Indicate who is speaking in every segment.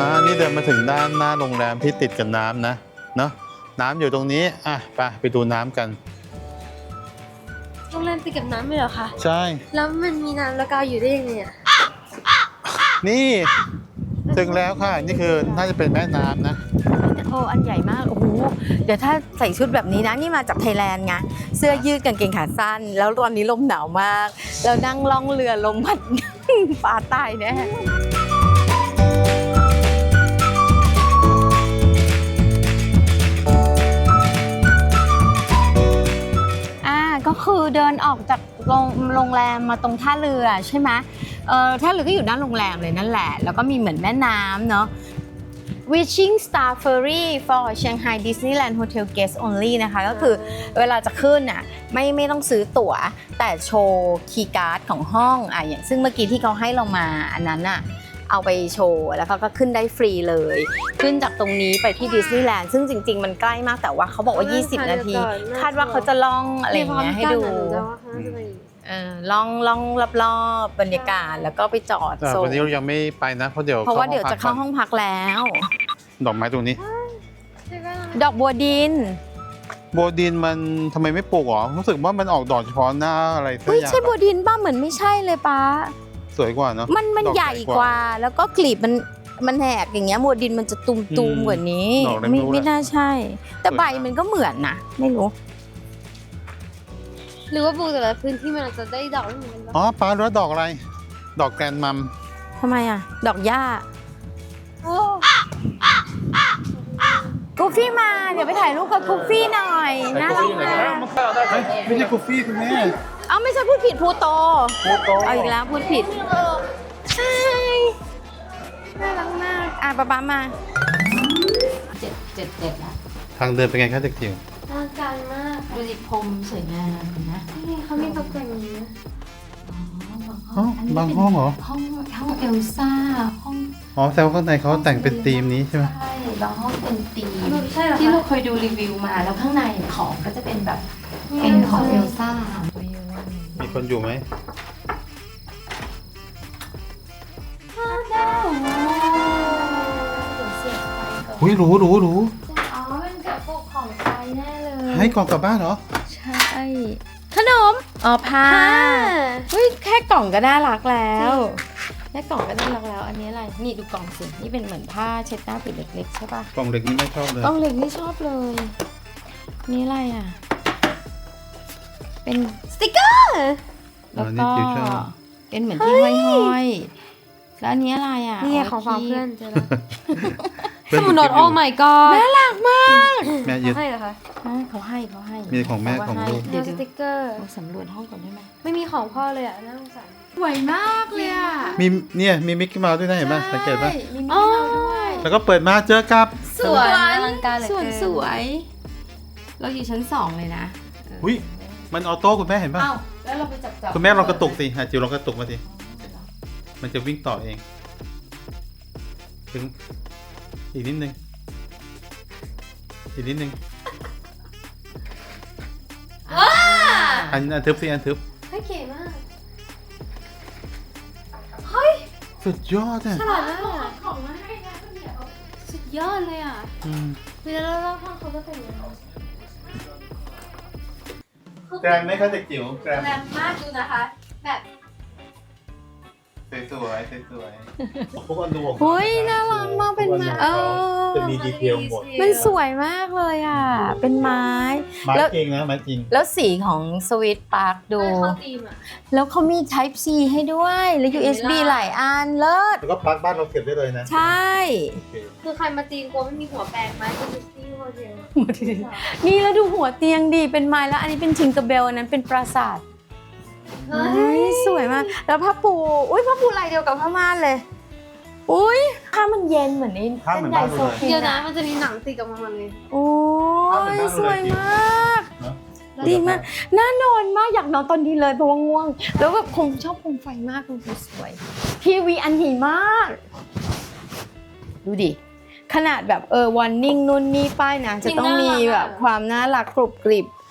Speaker 1: นี่เดินมาถึงด้านหน้าโรงแรมที่ติดกับน้ำนะเนาะน้ำอยู่ตรงนี้อ่ะไปดูน้ำกัน
Speaker 2: โรงแรมติดกับน้ำไหมเหรอคะ
Speaker 1: ใช่
Speaker 2: แล้วมันมีน้ำแล้วกาวอยู่ได้ยังไงอ่ะ
Speaker 1: นี่ถึงแล้วค่ะนี่คือน่าจะเป็นแม่น้ำนะ
Speaker 3: โอ้อันใหญ่มากโอ้โหเดี๋ยวถ้าใส่ชุดแบบนี้นะนี่มาจากไทยแลนด์ไงเสื้อยืดกางเกงขาสั้นแล้วตอนนี้ลมหนาวมากแล้วนั่งล่องเรือลมพัด ปลาตายแน่ก็คือเดินออกจากโรงแรมมาตรงท่าเรือใช่ไหมท่าเรือก็อยู่ด้านโรงแรมเลยนั่นแหละแล้วก็มีเหมือนแม่น้ำเนาะ Wishing Star Ferry for Shanghai Disneyland Hotel Guests Only นะคะก็คือเวลาจะขึ้นอ่ะไม่ต้องซื้อตั๋วแต่โชว์คีย์การ์ดของห้องอย่างซึ่งเมื่อกี้ที่เขาให้เรามาอันนั้นอ่ะเอาไปโชว์แล้วก็ขึ้นได้ฟรีเลยขึ้นจากตรงนี้ไปที่ดิสนีย์แลนด์ซึ่งจริงๆมันใกล้มากแต่ว่าเขาบอกว่า20 นาทีคาดว่าเขาจะล่องอะไรอย่างเงี้ยให้ดูล่องรอบๆบรรยากาศแล้วก็ไปจอดโซน
Speaker 1: วันนี้เรายังไม่ไปนะเพราะเดี๋ยว
Speaker 3: จะเข้าห้องพักแล้ว
Speaker 1: ดอกไม้ตรงนี้
Speaker 3: ดอกบัวดิน
Speaker 1: บัวดินมันทำไมไม่ปลูกหรอรู้สึกว่ามันออกดอกเฉพาะหน้าอะไรสักอย่าง
Speaker 3: ใช่บัวดินป้าเหมือนไม่ใช่เลยป้า
Speaker 1: สวยกว่าเนาะ
Speaker 3: มันใหญ่กว่าแล้วก็กลีบมันแหกอย่างเงี้ยบัวดินมันจะตุ่มๆกว่านี้ไม่น่าใช่แต่ใบมันก็เหมือนนะไม่รู้
Speaker 2: หรือว่าปลูกแต่ละพื้นที่มันอาจจะได้ดอกไม่เหมือนกัน
Speaker 1: อ๋อป้ารู้ดอกอะไรดอกแกรนมัม
Speaker 3: ทำไมดอกหญ้ากูฟี่มาเดี๋ยวไปถ่ายรูปกับกูฟี่หน่อยน่ารักมาก
Speaker 1: ไม่ใช่กูฟี่คุณแม่
Speaker 3: ไม่ใช่พูดผิดพูโตเอาอีกแล้วพูดผิดใช่น่ารักมากป๊ามา7แล้ว
Speaker 1: ทางเดินเป็นไงคะเด็กจิ๋ว
Speaker 2: น่าการมาก
Speaker 3: ดูสิพรมสวยงามนะ
Speaker 2: นี่เขามีตกแต่งอย่างนี้
Speaker 1: บางห้องเหรอ
Speaker 3: ห้องเอลซ่าห้อง
Speaker 1: แซวข้างในเขาแต่งเป็นธีมนี้ใช่ไหม
Speaker 3: ใช่บางห้องเป็นธีมที่เราเคยดูรีวิวมาแล้วข้างในของก็จะเป็นแบบเป็นของเอลซ่า
Speaker 1: มีคนอยู่ไหมอุ้ยรู้
Speaker 2: มันกับพวกของไทยแน่เลย
Speaker 1: ให้กล่องกลับบ้านเหรอ
Speaker 3: ใช่ขนมผ้าแค่กล่องก็น่ารักแล้วแค่กล่องก็น่ารักแล้วอันนี้อะไรนี่ดูกล่องสินี่เป็นเหมือนผ้าเช็ดหน้าผืนเล็กๆใช่ป่ะ
Speaker 1: กล่องเล็กนี่ไม่ชอบเลย
Speaker 3: กล่องเล็กนี่ชอบเลยนี่อะไรเป็นสติกเกอร์แล้วก็เป็นเหมือนที่ห้อยๆแล้วอันนี้อะไร
Speaker 2: นี่ของฝากเพื่อนเจอแล้วสมุดโน้ตโอ้ my god
Speaker 3: น่ารักมาก
Speaker 1: แม่ยืด
Speaker 2: ให้เหรอคะ
Speaker 3: เขาให้
Speaker 1: มีของแม่ของลูก
Speaker 2: เดี๋ยวสติกเกอร์
Speaker 3: สำรวจห้องก่อนได้ไหม
Speaker 2: ไม่มีของพ่อเลยน่าสงสาร
Speaker 3: สวยมากเลย
Speaker 1: มีมิกกี้เมาส์ด้วยนะเห็นป่ะสังเกตป่ะ
Speaker 3: มีมิกกี้เมาส์ด้วย
Speaker 1: แล้วก็เปิดมาเจอกับ
Speaker 3: สวนสวยเราอยู่ชั้น2เลยนะ
Speaker 1: อุ้ยมันออโต้คุณแม่เห็นป่ะ
Speaker 3: แล้วเราไปจับ
Speaker 1: คุณแม่ลองกระตุกสิจิ๋วลองกระตุกมาสิมันจะวิ่งต่อเองถึงอีกนิดนึงอันทึบสิอันทึบ
Speaker 2: เก๋มาก
Speaker 1: สุดยอด
Speaker 2: ฉลาดมากของมาให้นะสุดยอดเลยเวลาเราห้องเขาจะเป็นยังไง
Speaker 1: แกรมไหมคะเด็กจิ๋ว
Speaker 2: แกรมมากดูนะคะแบบ
Speaker 1: สวยพวกอันดู
Speaker 3: น่ารักมากเป็นไม้
Speaker 1: จะมีดีเทลหมด
Speaker 3: มันสวยมากเลยเป็นไม้
Speaker 1: จริงนะไม้จริง
Speaker 3: แล้วสีของสวิตพาร์คดูแล้วเขามี Type C ให้ด้วยแล้ว USB หลายอันเลิศ
Speaker 1: แล้วก็ปลั๊กบ้านเราเก็บได้เลยนะ
Speaker 3: ใช่
Speaker 2: คือใครมาจีนกลัวไม่มีหัวแปลงไม้ก็จะซี่หัวเดียว
Speaker 3: นี่แล้วดูหัวเตียงดีเป็นไม้แล้วอันนี้เป็นทิงเกอร์เบลอันนั้นเป็นปราสาทสวยมากแล้วผ้าปูผ้าปูลายเดียวกับผ้าม่านเลยผ้ามันเย็นเหมือนเส้นใยโซฟี
Speaker 2: เดี๋ยวนะมันจะมีหนังติดกับมันเลย
Speaker 3: สวยมากดีมากน่านอนมากอยากนอนตอนนี้เลยเพราะว่าง่วงแล้วแบบชอบโคมไฟมากดูสวยทีวีอันใหญ่มากดูดิขนาดแบบวันนิ่งนู่นนี่ป้ายนะจะต้องมีแบบความน่ารักกรุบกริบ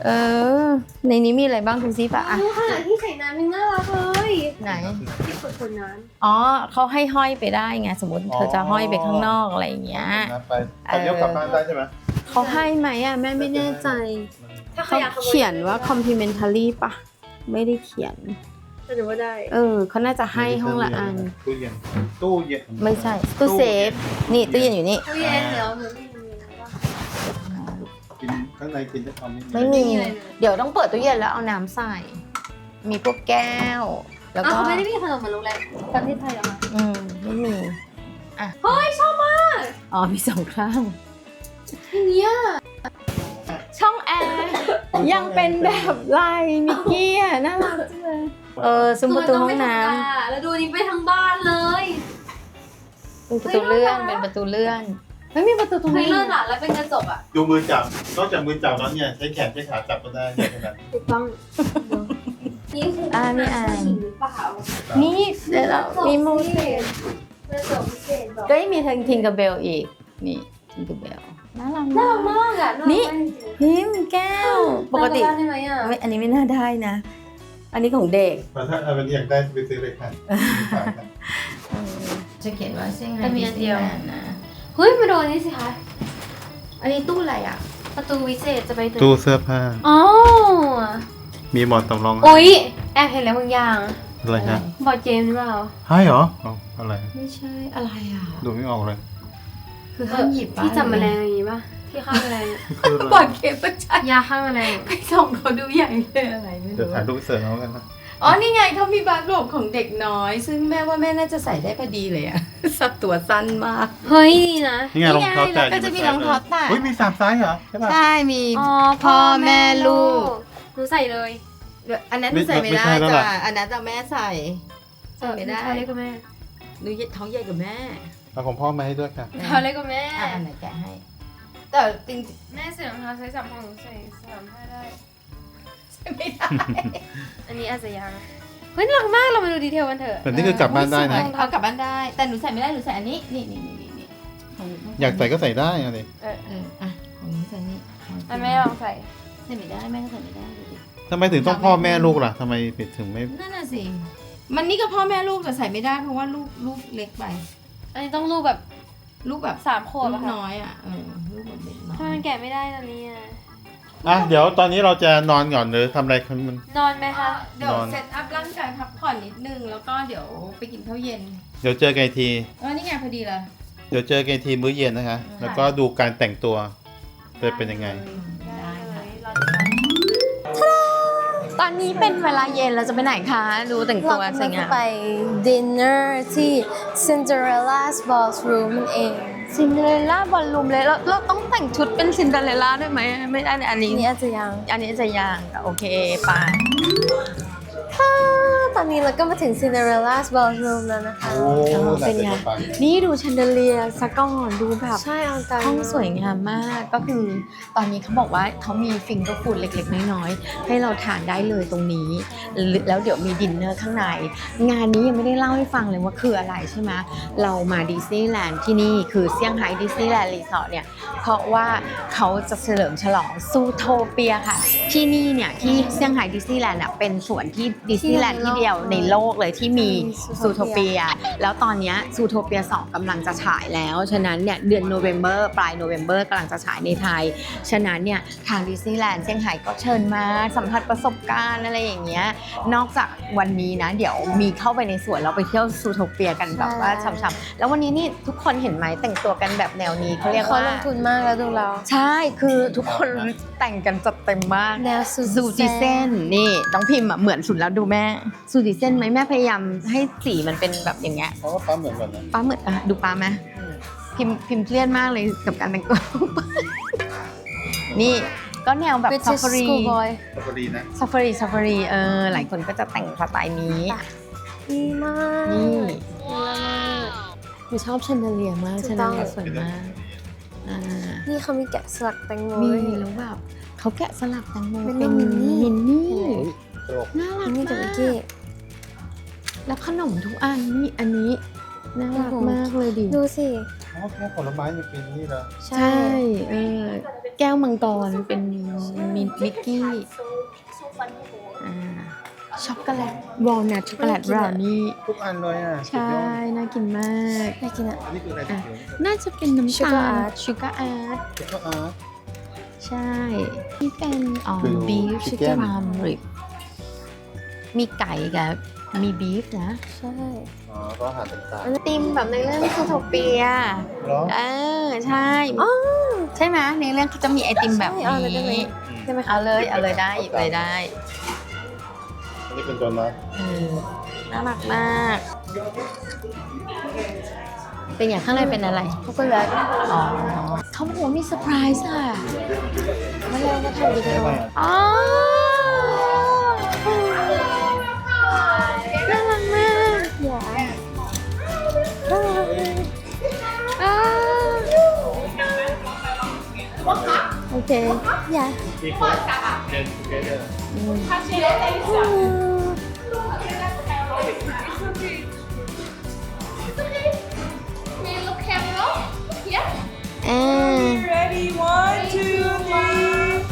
Speaker 3: ในนี้มีอะไรบ้างดูซิปะอ่ะ
Speaker 2: ขนาดที่ใส่น้ำยังน่ารักเลย
Speaker 3: ไหน
Speaker 2: ที่กดคนน้
Speaker 3: อ๋อเขาให้ห้อยไปได้ไงสมมติเธอจะห้อยไปข้างนอกอะไรอย่างเงี้ย
Speaker 1: ไปตอนนี้กลับบ้านได้ใช่ไหม
Speaker 3: เขาให้ไหมอ่ะแม่ไม่แน่ใจ
Speaker 2: ำถ้าใคร
Speaker 3: เขา
Speaker 2: อยากขโม
Speaker 3: เขียนว่า complimentary ปะไม่ได้เขียน
Speaker 2: ก็ถือว่าได้
Speaker 3: เขาน่าจะให้ห้องละอัน
Speaker 1: ตู้เย็นตู้เย็น
Speaker 3: ไม่ใช่ตู้เซฟนี่ตู้เย็นอยู่นี่
Speaker 2: ตู้เย็นเดี๋ยวหนูไม่มีนะว่า
Speaker 1: กินข้างในกินได้ทำไม่
Speaker 3: ไม่มี
Speaker 2: ไม่มีอะไรเลย
Speaker 3: เดี๋ยวต้องเปิดตู้เย็นแล้วเอาน้ำใส่ มีพวกแก้ว แล้ว
Speaker 2: อ้าว
Speaker 3: ก็
Speaker 2: เขาไม่ได้มีขนมเหมือนโรงแรมประเทศไทยเหรอคะ
Speaker 3: ไม่มี
Speaker 2: เฮ้ยชอบมาก
Speaker 3: อ๋อมีสองข้าง
Speaker 2: อย่างเงี้ย
Speaker 3: ช่องแอร์ยังเป็นแบบลายมิกกี้อ่ะน่ารักจังเลยซุ้มประตูห้องน้
Speaker 2: แล้วดูนี่ไปทั้งบ้านเลย
Speaker 3: ำเป็นประตูเลื่อนเป็นประตูเลื่อนไม่มีประตูตรง
Speaker 2: เฮ้ย
Speaker 3: นี้
Speaker 2: เลิศอ่ะแล้วเป็นกระจกอ่ะ
Speaker 1: ดูมือจับนอกจากมือจับแล้วเนี่ยใช้แขนใช้ขาจับก็ได้ขนาด
Speaker 2: ถูกต้องนี่คือ
Speaker 3: นี่อ่าน
Speaker 2: หรือเปล่า
Speaker 3: นี่เดี๋ยวเรามีมูส
Speaker 2: กระจกพิเศษบอก
Speaker 3: ก็ยังมีทิงกับเบลอีกนี่ทิงกับเบลน่ารัก
Speaker 2: น่ารัก
Speaker 3: มาก
Speaker 2: มากอ่ะ
Speaker 3: นี่ พิมพ์แก้ว ปกติ
Speaker 2: น่ารัได้ไหมอ่ะ
Speaker 3: ไม่อันนี้ไม่น่าได้นะ อันนี้ของเด็ก
Speaker 1: แต่ถ้าเอาเป็นอยากได้ไปซื้อเลยค่ะ
Speaker 3: จะเขียนว่าเซี่ยงไฮ้
Speaker 2: แต่มีอันเดียว
Speaker 3: ดิสนีย์แลนด์นะ
Speaker 2: เฮ้ยมาโดนนี่สิคะ
Speaker 3: อันนี้ตู้อะไรอ่ะ
Speaker 2: ประตูวิเศษจะไปถึง
Speaker 1: ตู้เสื้อผ้า
Speaker 2: อ๋อ
Speaker 1: มีหมอนสำรอง
Speaker 2: อุ๊ยแอบเห็นแล้วบางอย่าง
Speaker 1: อะไรฮะ
Speaker 2: บอร์ดเกมหรือเปล่า
Speaker 1: ให้เหรอเอาอะไร
Speaker 3: ไม่ใช่อะไรอ่ะ
Speaker 1: ดูไม่ออกเลย
Speaker 3: คือห้ามหยิบ
Speaker 2: ที่จับแมลงอย่างงี้ป่ะที่ฆ่าแมลงอะ
Speaker 1: คืออะไร
Speaker 3: บอดเกมประชัน
Speaker 2: ยาฆ่าแมลง
Speaker 3: ไปส่องเขาดูใหญ่เลยอะไรไม่
Speaker 1: เดี๋ยว
Speaker 3: รู้
Speaker 1: ถ่ายรูปเสริมเอากันนะ
Speaker 3: อ๋อนี่ไงเขามีบาร์โรบของเด็กน้อย ซึ่งแม่ว่าแม่น่าจะใส่ได้พอดีเลยอ่ะ สับตัวสั้นมาก
Speaker 2: เฮ้ยดีนะ
Speaker 1: นี่ไงรองเท้าแตะ
Speaker 3: แล้วก็จะมีรองเท้าแตะ
Speaker 1: เฮ้ยมี3ไซส์เหรอใช่ป่ะ
Speaker 3: ใช่มี
Speaker 2: อ๋อ
Speaker 3: พ่อแม่ลูก
Speaker 2: หนูใส่เลย
Speaker 3: อันนั้นหนูใส่ไม่ได้
Speaker 1: ไม่ใช่แล้ว
Speaker 3: จ้ะ
Speaker 1: ล่ะ
Speaker 3: อันนั้นจะแม่ใส่ใส่ไม่ได้
Speaker 2: เท้าเล็กกว่าแม่
Speaker 3: หนูท้องใหญ่กว่าแม่
Speaker 1: เอาของพ่อมาให้ด้วยค่ะ
Speaker 2: เท้าเล็กกว่าแม่
Speaker 3: อันไหนแกะให้ แต่จริง
Speaker 2: แม่ใส่รองเท้าไซส์3ของหนูใส่3ได้
Speaker 3: ๆใส่ไม่ได้
Speaker 2: อันนี้อาจจะยังเฮ้ยน่ารักมากเรามาดูดีเทลกันเถอะ
Speaker 1: แต่นี่คือกลับบ้านได้นะ
Speaker 3: เอากลับบ้านได้ แต่หนูใส่ไม่ได้หนูใส่อันนี้นี่ของหนู
Speaker 1: อยากใส่ก็ใส่ได้อะไร
Speaker 3: อ่ะของหนูใส่นี่
Speaker 2: อันแม่ลองใส่
Speaker 3: ใส่ไม่ได้แม่ก็ใส่ไม่ได้ดูดิ
Speaker 1: ทำไมถึงต้องพ่อแม่ลูกล่ะทำไมถึงไม่
Speaker 3: นั่นน่ะสิมันนี่ก็พ่อแม่ลูกแต่ใส่ไม่ได้เพราะว่าลูกเล็กไป
Speaker 2: อันนี้ต้องรูปแบบ
Speaker 3: ลูกแบบ
Speaker 2: 3 ขวบ
Speaker 3: ลู
Speaker 2: อะ
Speaker 3: ก
Speaker 2: ค่ะ
Speaker 3: น้อยอ่ะลูกแบบเด็กน้อ
Speaker 2: ทำไม
Speaker 3: ย
Speaker 2: มันแกะไม่ได้ตอนนี้อะ
Speaker 1: อ่ะเดี๋ยวตอนนี้เราจะนอนก่อนหรือทำอะไรกันมัน
Speaker 2: นอนไหมคะ
Speaker 3: เดี๋ยวน
Speaker 1: อน
Speaker 3: เซตอัพร่างกายพักผ่อนนิดนึงแล้วก็เดี๋ยวไปกินข้าวเย็น
Speaker 1: เดี๋ยวเจอกันอีกที
Speaker 3: นี่ไงพอดีเลย
Speaker 1: เดี๋ยวเจอกันอีกทีมื้อเย็นนะคะ แล้วก็ดูการแต่งตัวจะเป็นยังไง
Speaker 3: ได้
Speaker 2: เล
Speaker 3: ค่ะ
Speaker 2: ยรอดู
Speaker 3: ตอนนี้เป็นเวลาเย็นเราจะไปไหนคะ ดูแต่งตัวสวยงาม
Speaker 2: ไปดินเนอร์ที่ Cinderella's Ballroom นั่นเอง
Speaker 3: ซินเดอเรลล่าบอลลูมเลยเราต้องแต่งชุดเป็นซินเดอเรลล่าด้วยไหมไม่ได้อันนี้
Speaker 2: นี่อาจจะยัง
Speaker 3: อันนี้จะยังโอเคไป
Speaker 2: ตอนนี้เราก็มาถึง Cinderella's Ballroom แล้วนะคะ
Speaker 1: โอ้
Speaker 3: เป็นไง นี่ดูแชนเดเลียร์สักก่อนดูแบบ
Speaker 2: ใช่เอาใจ
Speaker 3: ห้องสวยงามมากก็คือตอนนี้เขาบอกว่าเขามีฟิงเกอร์ฟูดเล็กๆน้อยๆให้เราทานได้เลยตรงนี้ แล้วเดี๋ยวมีดินเนอร์ข้างใน งานนี้ยังไม่ได้เล่าให้ฟังเลยว่าคืออะไรใช่ไหมเรามาดิสนีย์แลนด์ที่นี่คือเซี่ยงไฮ้ดิสนีย์แลนด์รีสอร์ทเนี่ยเพราะว่าเขาจะเฉลิมฉลองซูโทเปียค่ะ ที่นี่เนี่ยที่เซี่ยงไฮ้ดิสนีย์แลนด์เนี่ยเป็นส่วนที่ดิสนีย์แลนด์ที่เดียวในโลกเลยที่มีซูโทเปียแล้วตอนนี้ซูโทเปีย2กำลังจะฉายแล้วฉะนั้นเนี่ยเดือนโนเวมเบอร์ปลายโนเวมเบอร์กำลังจะฉายในไทยฉะนั้นเนี่ยทางดิสนีย์แลนด์เซี่ยงไฮ้ก็เชิญมาสัมผัสประสบการณ์อะไรอย่างเงี้ยนอกจากวันนี้นะเดี๋ยวมีเข้าไปในสวนเราไปเที่ยวซูโทเปียกันแบบว่าช่ำๆแล้ววันนี้นี่ทุกคนเห็นไหมแต่งตัวกันแบบแนวนี้เขาเรียก
Speaker 2: เขา
Speaker 3: ว่า
Speaker 2: ลงทุนมากแล้วดูเรา
Speaker 3: ใช่คือทุกคนแต่งกันจัดเต็มมาก
Speaker 2: แนวซู
Speaker 3: ซูจิเซนนี่น้องพิมพ์อะเหมือนสุดแล้วดูแม่ซูจิเซนไหมแม่พยายามให้สีมันเป็นแบบอย่างเงี้ย
Speaker 1: เพราะว่าปั๊มเหมือนกันนะ
Speaker 3: ป้าเหมือนอะดูป้าไหมพิมพ์เครียดมากเลยกับการแต่งตัว นี่ก็แนวแบบ
Speaker 2: เป็น
Speaker 3: ซาฟารี
Speaker 2: สกูบอย
Speaker 1: พอดีนะ
Speaker 3: ซาฟารีหลายคนก็จะแต่งสไตล์นี้
Speaker 2: ดีมาก
Speaker 3: นี่
Speaker 2: ดีมาก
Speaker 3: หนูชอบแชนเดเลียร์มาก
Speaker 2: ถู
Speaker 3: แช
Speaker 2: ก
Speaker 3: นเด
Speaker 2: ต้อง
Speaker 3: เลียร์สวยมากอ่า
Speaker 2: นี่เขามีแกะสลักแตงโม
Speaker 3: มี
Speaker 2: ด้วย
Speaker 3: แล้วแบบเขาแกะสลักแตงโม
Speaker 2: เป็น
Speaker 3: เป็น
Speaker 2: มินนี่
Speaker 3: มินนี่
Speaker 1: โอ้ย
Speaker 3: น่ารัก
Speaker 2: นี่กับ
Speaker 3: มา
Speaker 2: มิก
Speaker 3: ก
Speaker 2: กี้
Speaker 3: แล้วขนมทุกอันนี่อันนี้น่ารักมากเลยดิ
Speaker 2: ดูสิ
Speaker 1: อ๋อแค่ผลไม้ยังเป็นนี่เหรอ
Speaker 3: ใช่แก้วมังกรเป็นมิกกี้ช็อกโกแลตวอลนัทช็อกโกแลตบราวนี่
Speaker 1: ทุกอันเลยอ่ะ
Speaker 3: ใช่ น่ากินมาก
Speaker 2: น่ากินอ่ะ
Speaker 1: อันนี้คืออะไร
Speaker 3: อ่ะ น่าจะเป็นน้ำตา
Speaker 2: Sugar
Speaker 3: ล
Speaker 2: Art
Speaker 3: ชูการ์อาร์ต
Speaker 1: แล้วก็อาร์ต
Speaker 3: ใช่ นี่เป็น
Speaker 1: คือ
Speaker 3: บีฟ
Speaker 1: chicken
Speaker 3: พรามริบมีไก่กับมีบีฟนะ
Speaker 2: ใช่
Speaker 1: อ๋อก็อาหารต่าง
Speaker 3: ไอติมแบบในเรื่องซูโทเปีย
Speaker 1: ๆเหรอ
Speaker 3: ใช่ใช่ไหมในเรื่องเขาจะมีไอติมแบบ
Speaker 2: ใช่เอาเลยได้ไหม
Speaker 3: นี้
Speaker 2: ได้ไหมคะ
Speaker 3: เอาเลยได้หยิบเลยได้
Speaker 1: อันนี้เป็นตัวน้อย
Speaker 3: น่ารักมาก เป็นอย่างข้างในเป็นอะไร
Speaker 2: ช็อกโกแลต
Speaker 3: อ๋อเขาบอกว่ามีเซอร์ไพรส์อ่ะ
Speaker 2: มาแล้วมาทำวิดีโอ
Speaker 3: อ๋อน่ารักมาก
Speaker 2: อย่า
Speaker 3: อ่าโอเค
Speaker 2: อย่า
Speaker 1: ที่เขาเดินเดิน
Speaker 3: อ่า
Speaker 4: Ready? 1, 2, 3.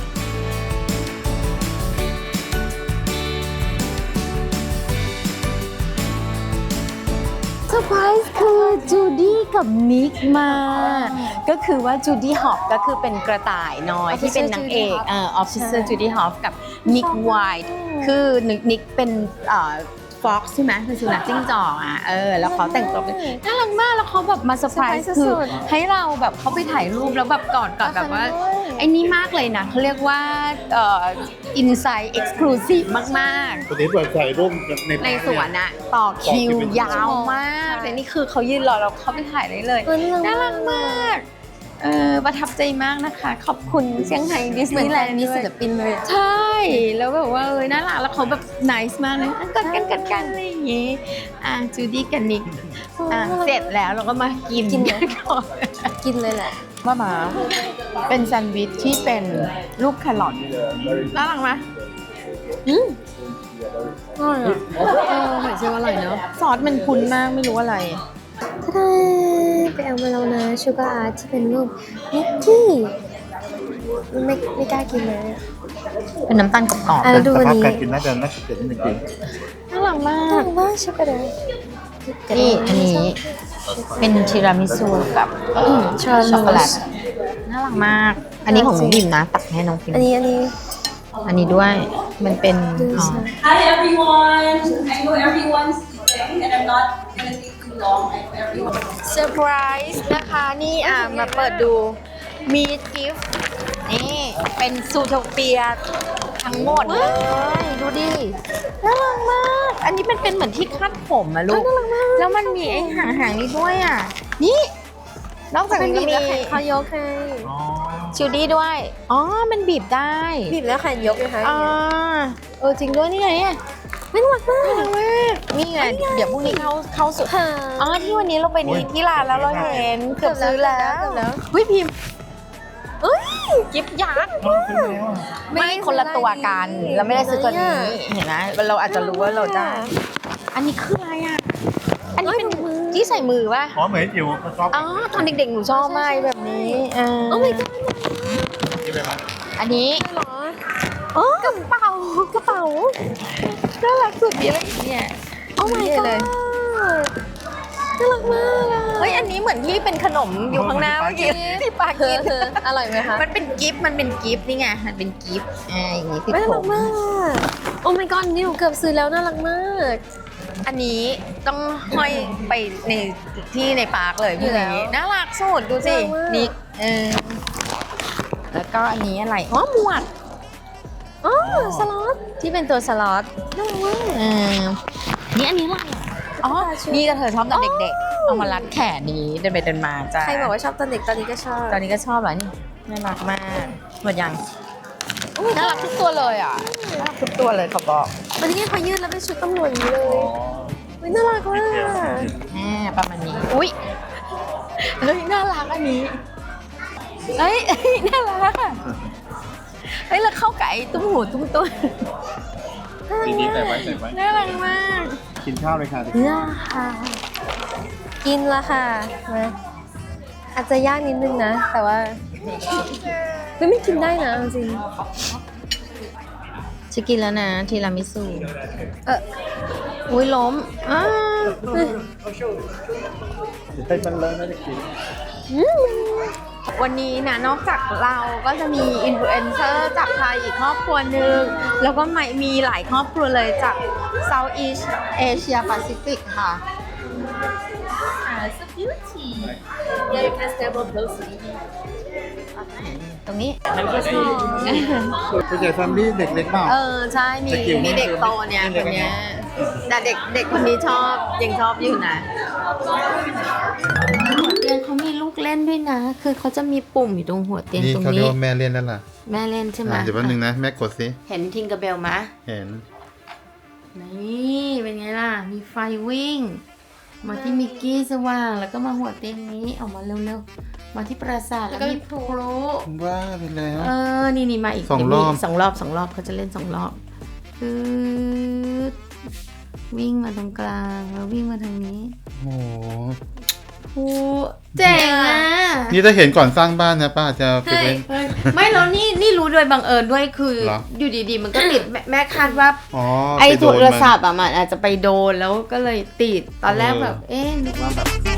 Speaker 3: เซอร์ไพรส์คือจูดี้กับนิกมา ก็คือว่าจูดี้ฮอปก็คือเป็นกระต่ายน้อยที่เป็นนางเอกออฟฟิเซอร์จูดี้ฮอปกับนิกไวท์คือนิกเป็นฟ็อกใช่ไหมคือสุนัขจิ้งจอกแล้วเขาแต่งตัวเป็นน่ารักมากแล้วเขาแบบมาเซอร์ไพรส์คือให้เราแบบเขาไปถ่ายรูปแล้วแบบกอดแบบว่าไอ้นี่มากเลยนะเขาเรียกว่าอินไซด์เอ็กซ์คลูซีฟมากๆ
Speaker 1: ปกติเปิดใส่ร่มใน
Speaker 3: ในสวนอะต่อคิวยาวมากแต่นี่คือเขายืนรอเราเข้าไปถ่ายได้เลย น่ารักมากประทับใจมากนะคะ ขอบคุณเซี่ยงไฮ้ดิส
Speaker 2: เหมื
Speaker 3: นี
Speaker 2: อน
Speaker 3: ย์แล
Speaker 2: แฟ
Speaker 3: น
Speaker 2: น
Speaker 3: ด์
Speaker 2: มี
Speaker 3: ด้วย
Speaker 2: ศิลปินเลยอะ
Speaker 3: ใช่ แล้วแบบว่าน่ารักแล้วเขาแบบนิสมากเลยกดกันอะไรอย่างงี้จูดี้กับนิกเสร็จแล้วเราก็มากินกันก่อน
Speaker 2: กินเลยแหละ
Speaker 3: มาเป็นแซนด์วิชที่เป็นรูปแครอทน่ารักไหม
Speaker 2: อร่อยอ่ะ
Speaker 3: หอยเชลล์อร่อยเนาะซอสมันคุ้นมากไม่รู้อะไร
Speaker 2: ถ้าได้ไปเอามาแล้วนะชูการ์อาร์ตที่เป็นรูปนิกกี้ไม่กล้ากินเลยอะ
Speaker 3: เป็นน้ำตาลกรอบ
Speaker 2: อ่ะดูอันนี้
Speaker 1: การกินน่าจะเกิดนิดนึง
Speaker 3: ๆน่ารักมา
Speaker 2: น่าก รักมากช็อกโกแลต
Speaker 3: นี่อันนี้เป็นทีรามิสุกับช็อกโกแลตน่ารักมาก อันนี้ของน้องพิมนะ ตักให้น้องพิม
Speaker 2: อันนี้
Speaker 3: อันนี้ด้วยมันเป็น
Speaker 4: Hi everyone. I know everyone's eating, and I'm not gonna take too long. I know everyone.
Speaker 3: เซอร์ไพรส์นะคะนี่มาเปิดดูมีกิฟต์นี่เป็นซูโทเปียทั้งหมดเลยดูดิน่ารักมาก อันนี้เป็นเหมือนที่คาดผมอะลูกแล้วมันมีไอ้หางนี้ด้วยอ่ะนี่นอกจาก
Speaker 2: เป็น
Speaker 3: นี้
Speaker 2: บีบ
Speaker 3: ก็
Speaker 2: แล้ว
Speaker 3: มี
Speaker 2: แขนเขายกให้
Speaker 3: ชูดี้ด้วยอ๋อมันบีบได้
Speaker 2: บีบแล้วแขนยกนะคะ
Speaker 3: จริงด้วยนี่ไงเนี่ย
Speaker 2: ไม่น่ารักมาก
Speaker 3: น่ารักมากนี่ไงเดี๋ยวพรุ่งนี้เข้าสุด
Speaker 2: ค่ะ
Speaker 3: ที่วันนี้เราไปที่ร้านแล้วเราเห็นเกือบซื้อแล้ว
Speaker 2: เกือบแล้ว
Speaker 3: เฮ้ยพิมพ์กิฟต์ยักษ์ไม่คนละตัวกันเราไม่ได้ซื้อตัวนี้เห็นไหมเราอาจจะรู้ว่าเราได้อันนี้คืออะไรอ่ะอันนี้เป็นที่ใส่มือป่ะ
Speaker 1: อ๋อเหมือนจิ๋วเขาชอบ
Speaker 3: ตอนเด็กๆหนูชอบมากแบบนี้โอ้ my god
Speaker 1: กินไปไหม
Speaker 3: อันนี้
Speaker 2: เหรอ
Speaker 3: กระเป๋น่ารักสุดมีอะไรอีกเนี่ย
Speaker 2: โอ้ my god
Speaker 3: เลย
Speaker 2: น่ารักมากอะ
Speaker 3: เฮ้ยอันนี้เหมือนที่เป็นขนมอยู่ข้างหน้าเมื่อกี้ที่ปากิน
Speaker 2: อร่อยไหมคะ
Speaker 3: มันเป็นกิฟต์นี่ไงมันเป็นกิฟต์อย่างนี้ติด
Speaker 2: น่า
Speaker 3: ผ
Speaker 2: รัก
Speaker 3: ม
Speaker 2: มากอะโอ้ my god นี่หนูเกือบซื้อแล้วน่ารักมาก
Speaker 3: อันนี้ต้องห้อยไปในปาร์คเลยพวกนี้น่ารักสุดดูสินิกแล้วก็อันนี้อะไรหมวด
Speaker 2: สล็อต
Speaker 3: ที่เป็นตัวสล็อต
Speaker 2: น่ารักมาก
Speaker 3: นี่อันนี้อะไรนี่ก็เธอชอบตอนเด็กๆเอามารัดแขนนี้เดินไปเดินมาจ้า
Speaker 2: ใครบอกว่าชอบตอนเด็กตอนนี้ก็ชอบ
Speaker 3: ตอนนี้ก็ชอบเหรอนี่น่ารักมากหมดยังน่ารักทุกตัวเลยอ่ะน่ารักทุกตัวเลยขอบอก
Speaker 2: วันนี้พอยืดแล้วเป็นชุดตำรวจอย่างนี้เลยอุ๊ยน่ารักมาก
Speaker 3: ประมาณนี้อุ้ยเฮ้ยน่ารักอันนี้เฮ้ยน่ารักอะเฮ้ยแล้วเข้าไก่ตุ้มหูตุ้มตัว
Speaker 1: ดีๆใส่ไว้
Speaker 3: น่ารักมาก
Speaker 1: กินข้าวเลยค่ะ
Speaker 2: เนี่ยค่ะ กินละค่ะมาอาจจะยากนิดนึงนะ แต่ว่าไม่กินได้นะจริง
Speaker 3: จะกินแล้วนะทีรามิสุอุ้ยล้มวันนี้นะนอกจากเราก็จะมีอินฟลูเอนเซอร์จากไทยอีกครอบครัวหนึ่งแล้วก็มีหลายครอบครัวเลยจาก Southeast Asia Pacific ค่ะ
Speaker 4: It's a beauty. Yeah, you can step up closely.
Speaker 3: ตรงนี้
Speaker 1: ผู้ใหญ่แฟมิลี่เด็กเล็กเปล่า
Speaker 3: ใช่มี
Speaker 1: สกิล
Speaker 3: มีเด็กโตเนี่ยคนเนี้ยแต่เด็กคนนี้ชอบยังชอบอยู่นะหัวเตียงเขามีลูกเล่นด้วยนะ คือเขาจะมีปุ่มอยู่ตรงหัวเตียง
Speaker 1: นี่
Speaker 3: ตรง
Speaker 1: เขาเรียก
Speaker 3: นี้
Speaker 1: ว่าแม่เล่นนั่นล่ะ
Speaker 3: แม่เล่นใช่ไหม
Speaker 1: เดี๋ยวแป๊บนึงนะแม่กดสิ
Speaker 3: เห็นทิงกระเบลมะ
Speaker 1: เห็น
Speaker 3: นี่เป็นไงล่ะ มีไฟวิ่ง มาที่มิกกี้สว่างแล้วก็มาหัวเตียงนี้ออกมาเร็วๆมาที่ปราสาทแล้วมีพลุ
Speaker 1: ว่าไปแล้ว
Speaker 3: นี่มาอีก
Speaker 1: สองรอบ
Speaker 3: สองรอบเขาจะเล่น2 รอบคือวิ่งมาตรงกลางแล้ววิ่งมาทางนี้
Speaker 1: โอ้โห
Speaker 3: โอ้เจ๋งอ่ะ
Speaker 1: นี่ถ้าเห็นก่อนสร้างบ้านนะป้าจะไปเล่น
Speaker 3: ไม่แล้วนี่รู้โดยบังเอิญด้วยคือ
Speaker 1: เหรอ
Speaker 3: อยู่ดีๆ มันก็ติดแม่คาดว่า
Speaker 1: อ๋อ
Speaker 3: ไอ้
Speaker 1: ป
Speaker 3: โท
Speaker 1: โดน
Speaker 3: ร
Speaker 1: มัน
Speaker 3: ศัพท์อ่ะมันอาจจะไปโดนแล้วก็เลยติดตอนแรกแบบ นึกว่าแบบ